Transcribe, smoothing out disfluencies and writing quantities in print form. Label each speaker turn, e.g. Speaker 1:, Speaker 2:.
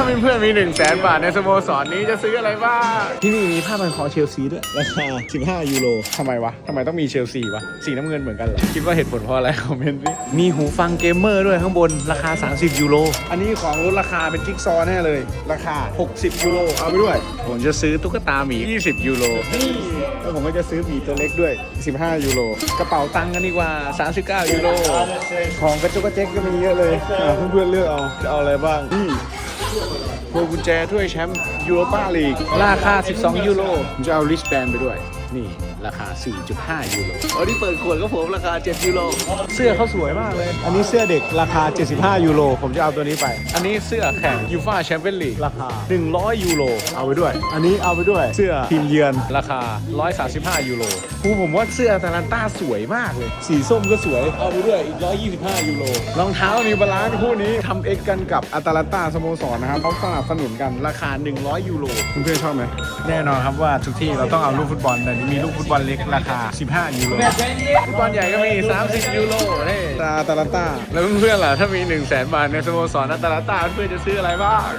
Speaker 1: าเพื่อนๆมี100,000 บาทในสโมสรนี้จะซื้ออะไรบ้างที่นี่มีผ้าพันคอเชลซีด้วยราคา15 ยูโรทำไมวะทำไมต้องมีเชลซีวะสีน้ำเงินเหมือนกันเหรอคิดว่าเหตุผลเพราะอะไรคอมเมนต์ดิมีหูฟังเกมเมอร์ด้วยข้างบนราคา30 ยูโรอันนี้ของลดราคาเป็นจิ๊กซอว์แน่เลยราคา60 ยูโรเอาไปด้วยผมจะซื้อตุ๊กตาหมี20 ยูโรนี่แล้วผมก็จะซื้อหมีตัวเล็กด้วย15 ยูโรกระเป๋าตังค์กันดีกว่า39 ยูโรของกระจุกกระเจ๊กก็มีเยอะเลยเพื่อนๆเลือกเอาจะเอาอะไรบ้างนี่พวงกุญแจถ้วยแชมป์ยูโรปาลีกราคา12 ยูโรผมจะเอาริชแบนไปด้วยนี่ราคา 4.5 ยูโรอันนี้เปิดขวดก็ผมราคา7 ยูโรเสื้อเขาสวยมากเลยอันนี้เสื้อเด็กราคา75 ยูโรผมจะเอาตัวนี้ไปอันนี้เสื้อแข่งยูฟ่าแชมเปี้ยนลีกราคา100 ยูโรเอาไปด้วยอันนี้เอาไปด้วยเสื้อทีมเยือนราคา135 ยูโรผมว่าเสื้ออาตาลันต้าสวยมากเลยสีส้มก็สวยเอาไปด้วยอีก125 ยูโรรองเท้านิวบาลานซ์คู่นี้ทำเอ็กกันกับอาตาลันต้าสโมสรนะครับเขาสนับสนุนกันราคา100 ยูโรเพื่อนๆชอบไหมแน่นอนครับว่าทุกที่เราต้องเอาลูกฟุตบอลแต่มีลูกฟุตบอลเล็กราคา15 ยูโรฟุตบอลใหญ่ก็มี30 ยูโรนี่อาตาลันต้าแล้วเพื่อนๆล่ะถ้ามี100,000 บาทในสโมสรอาตาลันต้าเพื่อนจะซื้ออะไรบ้าง